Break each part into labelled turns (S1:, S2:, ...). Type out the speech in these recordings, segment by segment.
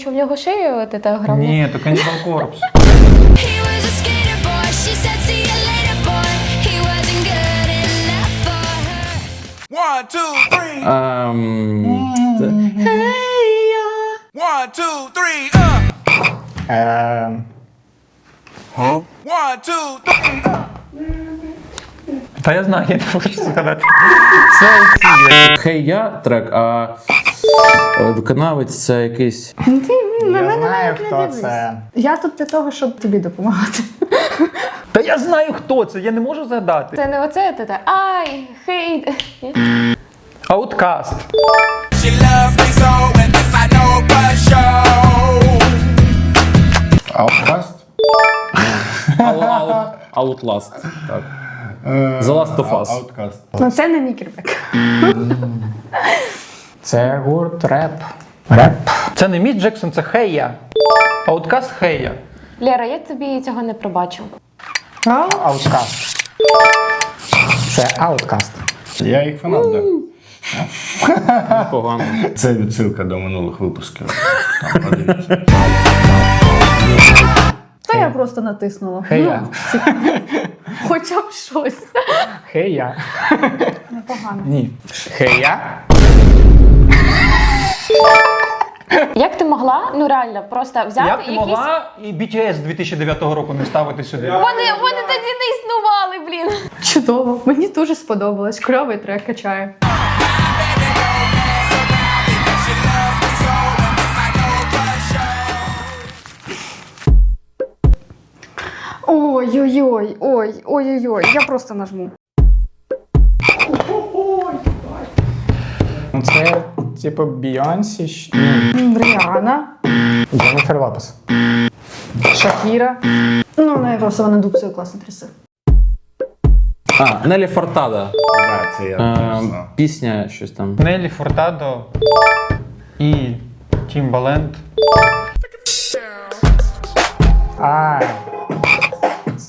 S1: що в нього шию от це грав?
S2: Ні, то Cannibal Corpse.
S3: He was a skater boy. She said, "See you later, boy." He wasn't good enough for her.
S4: 1, 2, 3. One, two, three. 1, 2, 3.
S2: Та я знаю, я не можу згадати. Це ці.
S5: Хей я трек, а виконавець це якийсь.
S6: Я знаю, хто це.
S7: Я тут для того, щоб тобі допомагати.
S2: Та я знаю, хто це, я не можу згадати.
S1: Це не оце, це ай, хейт.
S2: Outkast.
S4: She loves me so, and this I know for sure.
S8: Outkast?
S5: Outlast. Так. The Last of Us.
S8: Outkast.
S7: Ну це не Nickelback.
S6: Це гурт реп. Реп.
S2: Це не Міс Джексон, це Хея. Outkast Хея.
S1: Лера, я тобі цього не пробачу.
S6: Outkast. Це Outkast.
S8: Я їх фанат, так.
S5: Погано.
S8: Це відсилка до минулих випусків. Там, подивіться.
S7: Та я просто натиснула.
S6: Хея.
S7: Хоча б щось.
S6: Хея.
S7: Непогано.
S6: Ні. Хея.
S1: Як ти могла, ну реально, просто взяти
S2: Як ти
S1: якісь...
S2: могла і BTS 2009 року не ставити сюди?
S1: Вони тоді не існували, блін.
S7: Чудово. Мені дуже сподобалось. Кльовий трек качає. Ой-ой-ой, ой-ой-ой, я просто нажму.
S6: Ну, це типу Бейонсі.
S7: Ріана,
S6: Дженніфер Лопес.
S7: Шакіра. Ну, в неї просто вона дубцею класно трясе.
S5: Нелі Фортада.
S8: Так, це я теж знав.
S5: Пісня, щось там.
S2: Нелі Фуртадо і Тімбаленд.
S6: А,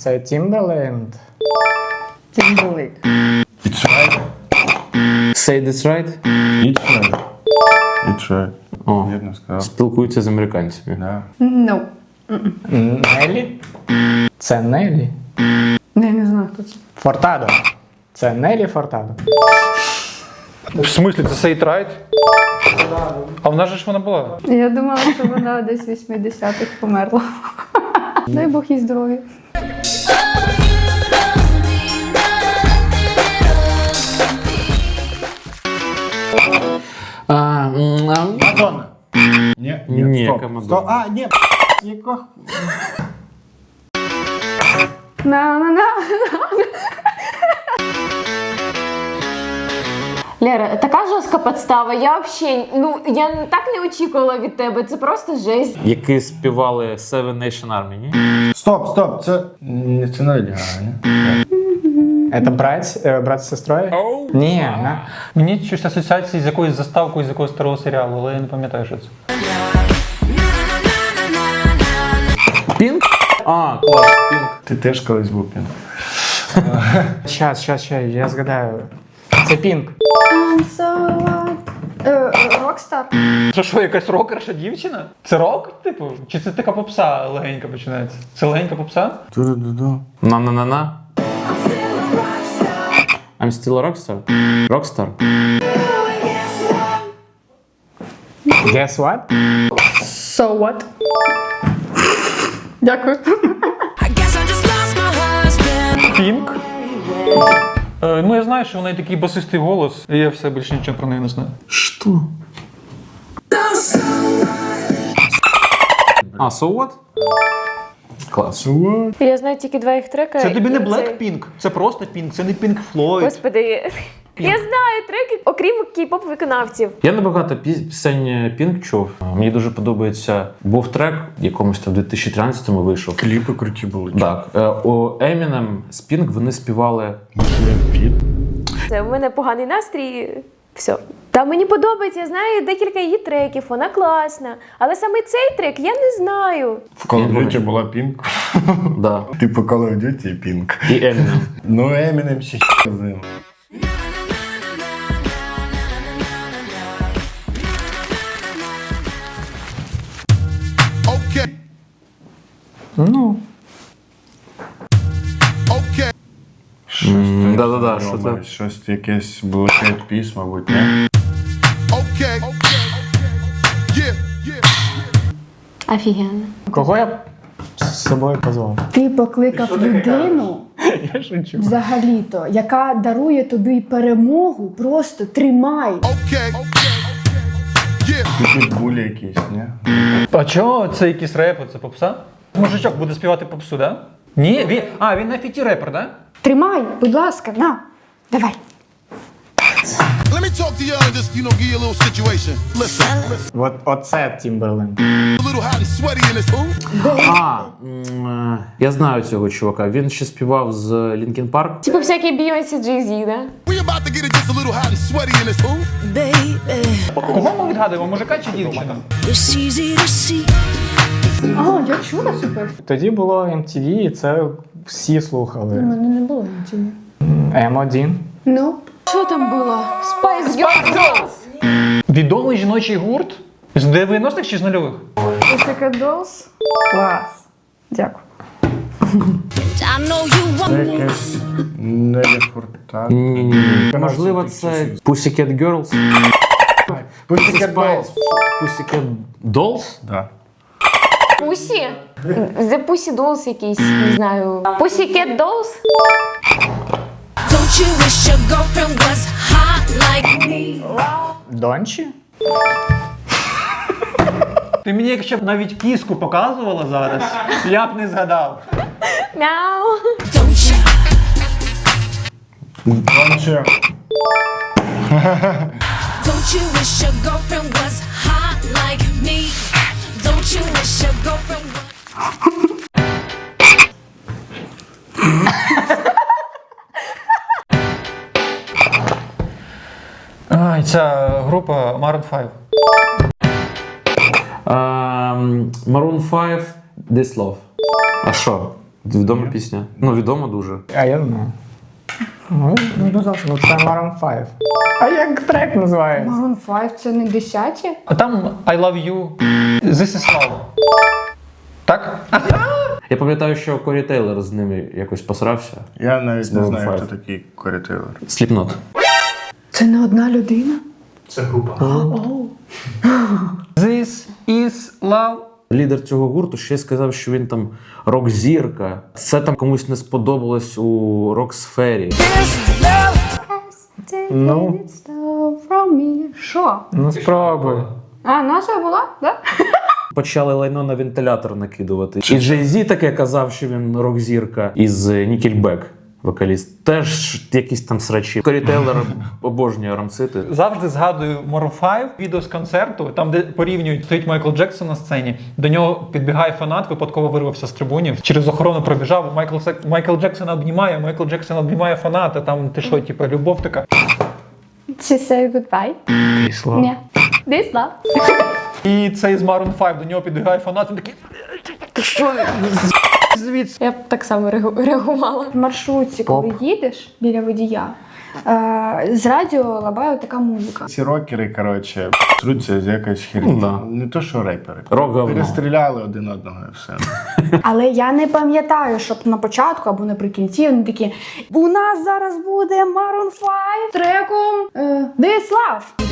S6: Це Timberland.
S7: Тімберлейк.
S8: It's right.
S5: Say this right?
S8: It's right. It's right.
S5: О,
S8: Вірно сказав.
S5: спілкуються з американцями.
S8: Да.
S7: No.
S6: Нелі? Це Нелі.
S7: Я не знаю, хто це.
S6: Фортадо. Це Нелі Фортадо.
S2: В смислі, це Say It Right? А в нас же ж вона була.
S7: Я думала, що вона десь в 80-х померла. Дай Бог їй здоров'я.
S8: Мадонна. Ні,
S5: Ні,
S8: стоп.
S5: яка Мадонна?
S8: Стоп. А, ні, яка?
S7: На-на-на.
S1: Лера, така жорстка підстава. Я взагалі, я так не очікувала від тебе. Це просто жесть.
S5: Які співали Seven Nation Army, ні?
S8: Стоп. Це не Леді Гага, ні?
S6: Це брат з сестрою? Ні, не.
S2: Мені щось асоціації з якоюсь заставкою з якогось старого серіалу, але я не пам'ятаю, що це.
S5: Пінк? А, клас, Пінк.
S8: Ти теж колись був Пінк.
S6: Щас, я згадаю. Це Пінк.
S7: Рокстар.
S2: Це що, якась рокерша дівчина? Це рок, типу? Чи це така попса легенька починається? Це легенька попса?
S8: Ту-ду-ду-ду.
S5: На-на-на-на. I'm still a rockstar? Rockstar?
S6: Guess what?
S7: So what? Дякую.
S3: I guess I just lost my husband.
S2: Пінк? Я знаю, що в неї такий басистий голос, і я все більше нічого про неї не знаю.
S5: Що? А, So What? Клас.
S1: Я знаю тільки два їх трека.
S2: Це тобі не
S1: і
S2: Blackpink, це просто Pink, це не Pink Floyd.
S1: Господи, я знаю треки, окрім кей-поп виконавців.
S5: Я небагато пісень Пінк чув. Мені дуже подобається. Був трек, якомусь там в 2013-му вийшов.
S8: Кліпи круті були.
S5: Так. У Eminem з Пінк вони співали.
S1: Це в мене поганий настрій. Все. Та мені подобається, я знаю декілька її треків, вона класна. Але саме цей трек я не знаю.
S8: В Call of Duty була Пінк.
S5: Да.
S8: Типу Call of Duty і Пінк.
S5: І Eminem.
S8: Ну, Eminem ще з ним.
S4: Okay,
S6: Ну,
S4: okay.
S5: Да-да-да, що це?
S8: Щось якесь Black Eyed Peas, мабуть, ні?
S4: Okay. Yeah, yeah.
S1: Офігенно.
S6: кого я б з собою позвав?
S7: Ти покликав людину,
S6: Я шучу.
S7: взагалі-то, яка дарує тобі перемогу, просто тримай.
S4: Okay. Yeah.
S8: Підбулі якісь, ні?
S2: А чого? Це якийсь репер, це попса? Мужичок буде співати попсу, да? Ні, він на фіті репер, да?
S7: Тримай, будь ласка, на. Давай.
S4: Let me talk to y'all and just, give you a little situation. Listen,
S6: Оце Timberland.
S4: a little hot and sweaty in this.
S5: Я знаю цього чувака. Він ще співав з Linkin Park.
S1: Типу всякі Бейонсі, Jay-Z, да?
S4: We about to get it just a little hot and sweaty in this. Ooh.
S2: Кого ми відгадуємо, мужика чи дівчину?
S3: It's easy to see.
S7: А, я чула супер.
S6: Тоді було MTV, і це всі
S7: У
S6: слухали.
S7: мене не було нічого.
S6: М1.
S7: Ну,
S1: Що там було? Spice Girls!
S2: Відомий жіночий гурт? З 90-х чи з нульових?
S7: Pussycat Dolls. Клас. Дякую.
S3: I know you want
S8: Це
S3: me.
S8: якесь Нелі Фуртадо.
S5: Ні. Можливо, це Pussycat Girls?
S8: Pussycat Dolls.
S5: Pussycat Dolls?
S8: Да.
S1: Pussy? The Pussy Dolls якийсь, не знаю. Pussycat Dolls?
S3: Don't you wish your girlfriend was hot like me?
S6: Дончі?
S2: Ти мені якщо б навіть кіску показувала зараз, я б не згадав.
S1: Мяу.
S3: Don't you?
S8: Донче.
S3: Don't you wish your girlfriend was hot like me? Don't you wish your girlfriend was...
S2: Ай, ця група Maroon 5.
S5: Maroon 5, This Love. А що? Відома пісня. Ну, відома дуже.
S6: А я знаю. Ну, це Maroon 5. А як трек називається?
S7: Maroon 5 це не 10-ті?
S2: А там I love you, This is love. Так?
S5: Я пам'ятаю, що Корі Тейлор з ними якось посрався.
S8: Я навіть не
S5: Maroon
S8: знаю,
S5: 5.
S8: хто такий Корі Тейлор.
S5: Slipknot.
S7: Це не одна людина?
S2: This is love.
S5: Лідер цього гурту ще сказав, що він там рок-зірка. Це там комусь не сподобалось у рок-сфері.
S6: Ну.
S7: Що?
S6: Ну спробуй.
S7: А, наша була? Да?
S5: Почали лайно на вентилятор накидувати. І Jay-Z таке казав, що він рок-зірка із Nickelback, вокаліст. Теж якісь там срачі. Корі Тейлор обожнює рамсити.
S2: Завжди згадую Maroon 5, відео з концерту, там, де порівнюють, стоїть Майкл Джексон на сцені, до нього підбігає фанат, випадково вирвався з трибунів, через охорону пробіжав, Майкл Джексон обнімає фаната, там ти що, типу, любов така.
S7: She say goodbye?
S6: Пішло.
S7: Ні. This love.
S2: І цей з Maroon 5, до нього підбігає фанат, він такий, ти що, звідси?
S1: Я б так само реагувала.
S7: В маршрутці, коли їдеш біля водія, з радіо лабає така музика.
S8: Ці рокери, коротше, труться з якоюсь херні.
S5: Ну, да.
S8: Не то, що репери.
S5: Рок-говно.
S8: Перестріляли один одного і все.
S7: Але я не пам'ятаю, щоб на початку або наприкінці вони такі: у нас зараз буде Maroon 5 треком This Love.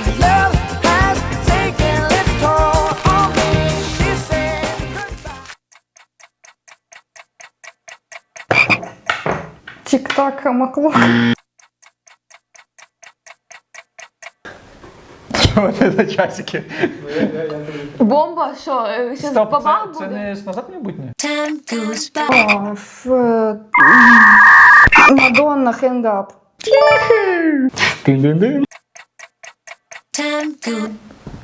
S7: Тік-так, маклук.
S2: Що це за часики?
S1: Бомба, що? Щас
S2: Стоп,
S1: бабах
S2: це
S1: буде?
S2: не з назад майбутнє?
S3: Time goes by.
S7: Мадонна, Hang Up.
S6: Тин-дин-дин.
S3: Time goes.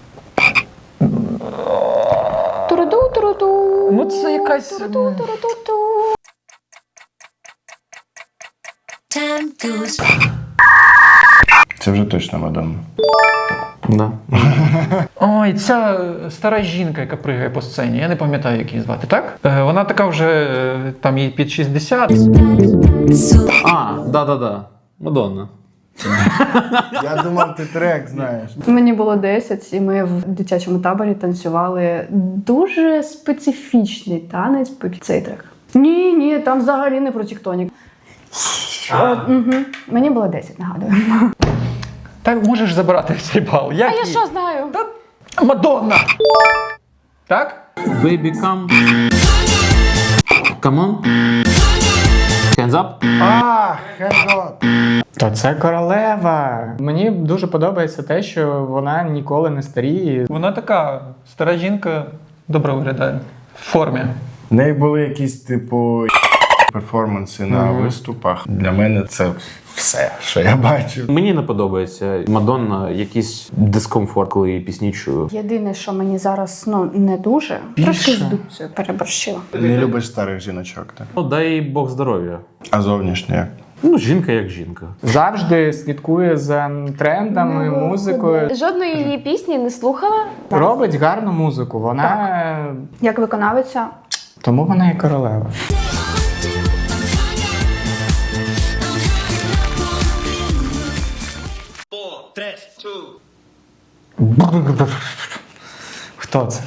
S1: Туруду.
S2: Ну це якась...
S1: Туруду.
S3: Time goes.
S8: Це вже точно Мадонна.
S5: Да.
S2: Ой, ця стара жінка, яка пригає по сцені, я не пам'ятаю, як її звати, так? Вона така вже, там їй під 60.
S5: А, да. Мадонна.
S8: Я думав, ти трек знаєш.
S7: Мені було 10, і ми в дитячому таборі танцювали дуже специфічний танець під цей трек. Ні, там взагалі не про тіктонік. Мені було 10, нагадую.
S2: Так можеш забирати цей бал. Як
S1: А я
S2: її?
S1: що знаю?
S2: Мадонна! Так?
S5: Baby, come. Come on. Hands up.
S8: Хердо.
S6: Та це королева. Мені дуже подобається те, що вона ніколи не старіє.
S2: Вона така стара жінка, добре виглядає. В формі.
S8: В неї були якісь, типу, перформанси на виступах. Для мене це все, що я бачив.
S5: Мені не подобається Мадонна, якийсь дискомфорт, коли її пісні чую.
S7: Єдине, що мені зараз не дуже, трошки з дубцею переборщила.
S8: Не любиш старих жіночок, так?
S5: Ну, дай Бог здоров'я.
S8: А зовнішньо як?
S5: Ну, жінка як жінка.
S6: Завжди слідкує за трендами, музикою.
S1: Жодної її пісні не слухала.
S6: Робить гарну музику. Вона
S7: Як виконавиця,
S6: тому вона і королева. Хто це?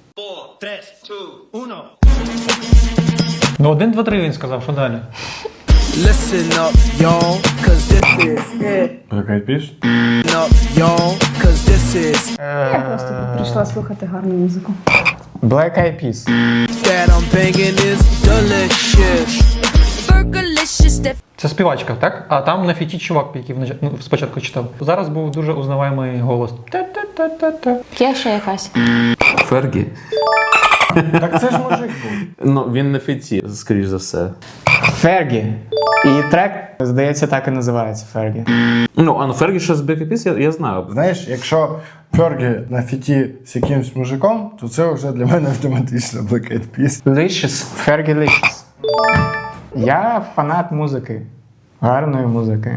S2: Ну, 1, 2, 3 він сказав, що далі?
S9: Listen up, y'all, cause this is it.
S8: Така піс?
S9: Up, y'all, cause this is
S7: я просто прийшла слухати гарну музику.
S6: Black Eyed Peas.
S9: that I'm banging is delicious.
S3: Fergalicious that
S2: Це співачка, так? А там на фіті чувак, який спочатку читав. Зараз був дуже узнаваємий голос. Та-та-та-та-та.
S1: Є ще якась.
S5: Фергі.
S8: Так це ж мужик був.
S5: Ну, він на фіті, скоріш за все.
S6: Фергі. І трек, здається, так і називається Фергі.
S5: Ну, а ну Фергі ще з Black Eyed Peas, я знаю.
S8: Знаєш, якщо Фергі на фіті з якимсь мужиком, то це вже для мене автоматично Black Eyed Peas.
S6: Licious. Фергі Licious. Я фанат музики. Гарної музики.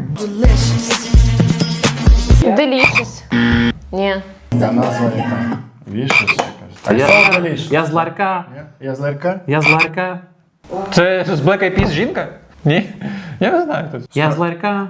S1: Delicious. Ні.
S8: Ця назва яка? Вішес якась.
S5: А
S8: Так,
S5: я,
S8: що Delicious?
S5: я з ларька.
S8: Я з Ларка?
S5: Я з ларька.
S2: Це з Black Eyed Peas жінка? Ні? Я не знаю. Тут.
S5: Я з ларька.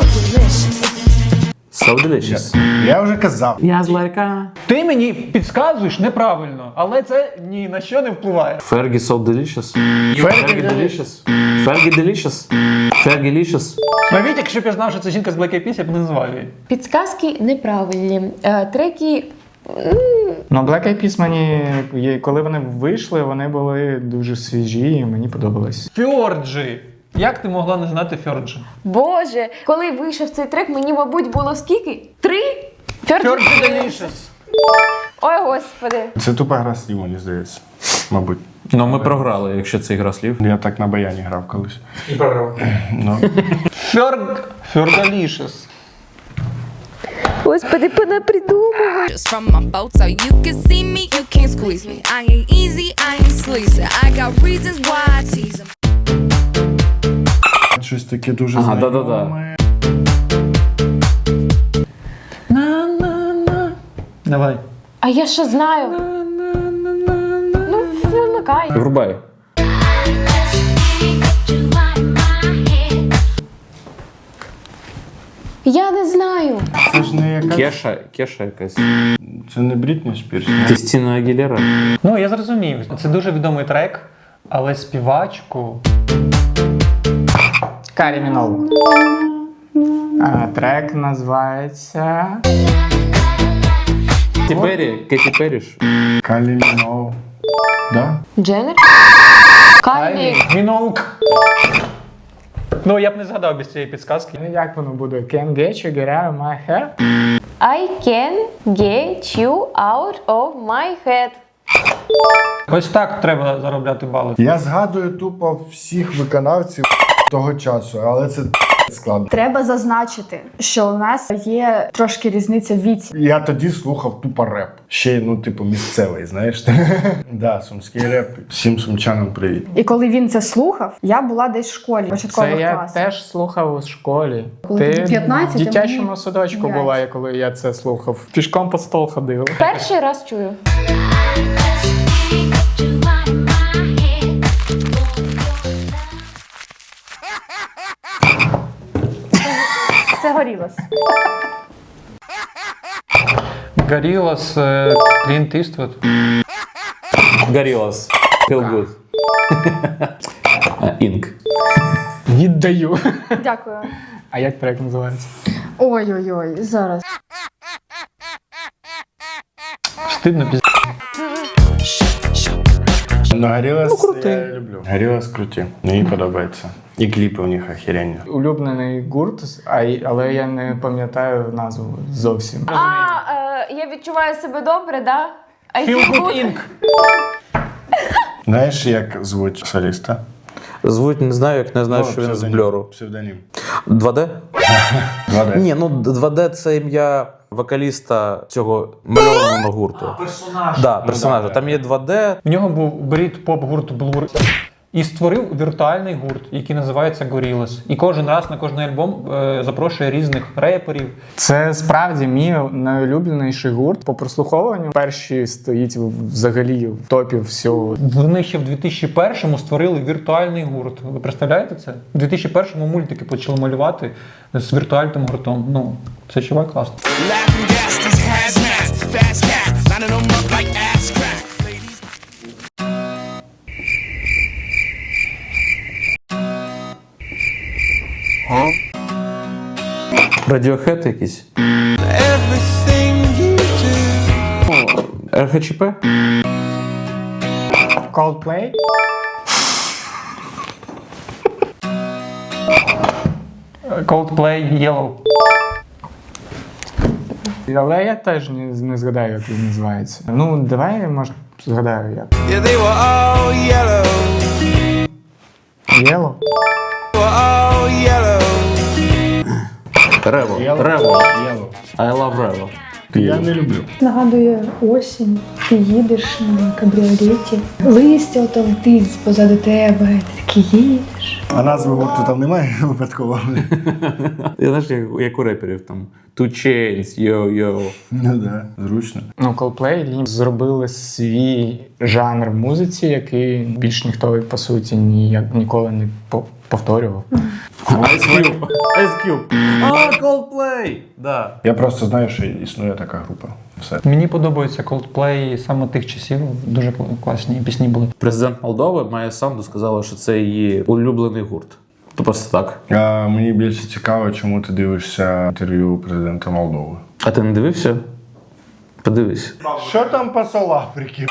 S5: So delicious.
S8: Я вже казав.
S5: Я з ларька.
S2: Ти мені підказуєш неправильно, але це ні на що не впливає.
S5: Fergie so delicious. Fergie delicious. Fergie delicious. Fergie delicious.
S2: Навіть якщо б я знав, що це жінка з Black Eyed Peas, я б не назвав її.
S1: Підсказки неправильні. Треки.
S6: Ну, Black Eyed Peas мені, коли вони вийшли, вони були дуже свіжі і мені подобалось.
S2: Фьорджі. Як ти могла не знати Фьорджі?
S1: Боже, коли вийшов цей трек, мені, мабуть, було скільки? 3?
S2: Фьорджі Delicious.
S1: Ой, господи.
S8: Це тупа гра слів, мені здається. Мабуть.
S5: Ну, ми програли, якщо це ігра слів.
S8: Я так на баяні грав колись.
S2: І програв.
S8: Ну.
S2: Фьордалішес.
S1: Господи, понапридумували.
S3: Just from my boat, so you can see me, you can't squeeze me. I ain't easy, I ain't sleazy. I got reasons why I tease 'em.
S8: Щось таке дуже
S5: Ага,
S8: знайоме.
S2: Давай.
S1: А я що знаю? Ну, вимикай.
S5: Врубай.
S1: Я не знаю.
S8: Це ж не яка...
S5: Кеша якась.
S8: Це не Брітні Спірс.
S5: Кристина Агілера.
S2: Ну, я зрозумів. Це дуже відомий трек, але співачку.
S6: Карі Міноуг. Трек називається...
S5: Кеті Перрі ж.
S8: Калі Міноуг. Да?
S1: Дженнер? Кайлі.
S2: Міноук. Ну, я б не згадав без цієї підсказки.
S6: Ну, як воно буде? Can't get you, get out of my hair?
S1: I can get you out of my head.
S2: Ось так треба заробляти бали.
S8: Я згадую тупо всіх виконавців того часу, але це складно.
S7: Треба зазначити, що у нас є трошки різниця в віці.
S8: Я тоді слухав тупо реп. Ще, ну, типу, місцевий, знаєш. Да, сумський реп. Всім сумчанам привіт.
S7: І коли він це слухав, я була десь в школі, в початкових
S6: Це я
S7: класах.
S6: теж слухав у школі.
S7: Коли тобі 15,
S6: в дитячому
S7: а мені
S6: садочку
S7: 5.
S6: була, коли я це слухав. Пішком по стол ходив.
S1: Перший раз чую.
S7: Це горілось.
S2: Горілас, Клінт Іствуд.
S5: Горілас. Feel good. Інк.
S6: Віддаю.
S7: Дякую.
S6: А як трек називається?
S7: Ой-ой-ой, зараз.
S2: Стидно піз...
S8: Ну, Горілас я люблю. Горілас круті. Мені подобається. І кліпи у них охеренні.
S6: Улюблений гурт, але я не пам'ятаю назву зовсім.
S1: Я відчуваю себе добре, да? I
S2: Feel
S1: feel
S2: Good
S1: good.
S2: Inc.
S8: Знаєш, як звуть соліста?
S5: Звуть не знаю, як не знаю, що він з Бльору.
S8: Псевдонім.
S5: 2D?
S8: 2D.
S5: Ні, ну 2D це ім'я вокаліста цього мальованого гурту. Персонажа. Да, персонажа. Там є 2D.
S2: В нього був брит-поп гурт Blur. І створив віртуальний гурт, який називається Gorillaz. І кожен раз на кожний альбом запрошує різних реперів.
S6: Це справді мій найулюбленіший гурт. По прослуховуванню перший стоїть взагалі в топі всього.
S2: Вони ще в 2001-му створили віртуальний гурт. Ви представляєте це? У 2001-му мультики почали малювати з віртуальним гуртом. Ну, це чувак класно.
S9: Laughing gas, these hazmats, fast cats, lining them up like ass crack.
S5: Radiohead якийсь.
S9: Everything you do.
S5: РХЧП?
S6: Coldplay?
S2: Coldplay Yellow.
S6: Але я теж не згадаю, як він називається. Ну, давай, може, згадаю як.
S9: Yeah, they were all yellow.
S6: Yellow?
S9: They were all yellow.
S5: Рево. I love Revo.
S8: Я не люблю.
S7: Нагадує осінь, ти їдеш на кабріолеті, листя ото летить позаду тебе, ти такий їдеш.
S8: А назви гурту там немає випадково?
S5: Знаєш, як у реперів там Two Chainz, йо-йо.
S8: Ну да, зручно.
S6: Ну, Coldplay зробили свій жанр в музиці, який більш ніхто, по суті, ніколи не повторював.
S5: Ice Cube. А, Coldplay! Да.
S8: Я просто знаю, що існує така група. Все.
S2: Мені подобається Coldplay саме тих часів. Дуже класні пісні були.
S5: Президент Молдови Майя Санду сказала, що це її улюблений гурт. То просто так.
S8: А мені більше цікаво, чому ти дивишся інтерв'ю президента Молдови.
S5: А ти не дивився? Подивись.
S8: Що там посол Африки?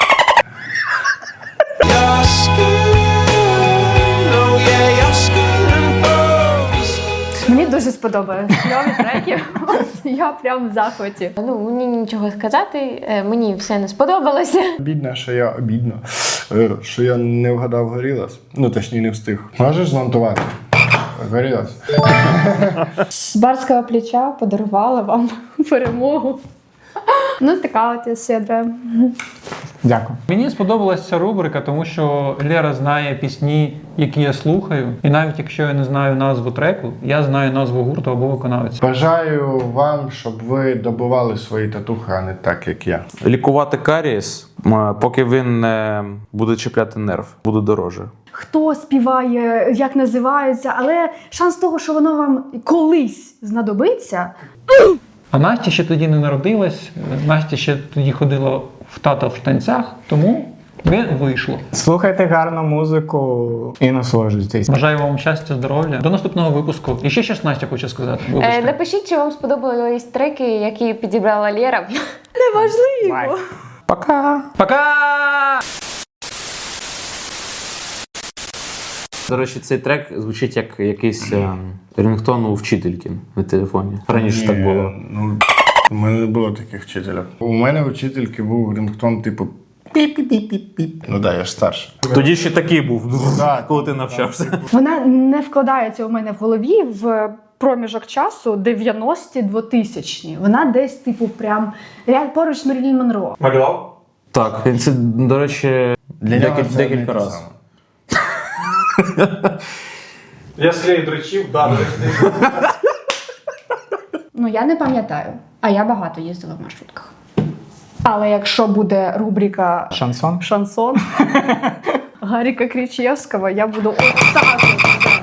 S7: Мені дуже сподобалось. Кльові треки. Я прям в захваті.
S1: Ну, мені нічого сказати, мені все не сподобалося.
S8: Обідно, що я не вгадав Горілас. Ну, точніше, не встиг. Можеш змонтувати? Горілас.
S7: З барського плеча подарувала вам перемогу. Ну, така от я щедра.
S6: Дякую.
S2: Мені сподобалася ця рубрика, тому що Лера знає пісні, які я слухаю. І навіть якщо я не знаю назву треку, я знаю назву гурту або виконавця.
S8: Бажаю вам, щоб ви добували свої татухи, а не так, як я.
S5: Лікувати карієс, поки він не буде чіпляти нерв, буде дороже.
S7: Хто співає, як називається, але шанс того, що воно вам колись знадобиться.
S2: А Настя ще тоді не народилась, Настя ще тоді ходила в тата в танцях, тому не вийшло.
S6: Слухайте гарну музику і насолоджуйтесь.
S2: Бажаю вам щастя, здоров'я. До наступного випуску. І ще щось Настя хоче сказати. Вибачте.
S1: Напишіть, чи вам сподобались треки, які підібрала Лера.
S7: Неважливо.
S5: Пока!
S2: Пока!
S5: До речі, цей трек звучить як якийсь рингтон у вчительки на телефоні. Раніше так було.
S8: Ну, у мене не було таких вчителів. У мене у вчительки був рингтон типу піп-піп-піп-піп. Ну да, я ж старший.
S5: Тоді ще такий був,
S8: Да,
S5: коли ти навчався.
S7: Вона не вкладається у мене в голові в проміжок часу 90-ті, 2000-ті. Вона десь, типу, прям поруч з Мерлін Монро.
S2: Малював?
S5: Так, це, до речі,
S8: Для нього це одне й
S5: декілька
S8: те
S5: разів.
S8: саме.
S2: Я склею дрочів, да,
S7: Ну, я не пам'ятаю. А я багато їздила в маршрутках. Але якщо буде рубрика
S6: Шансон?
S7: «Шансон» Гаріка Кричевського, я буду отак от.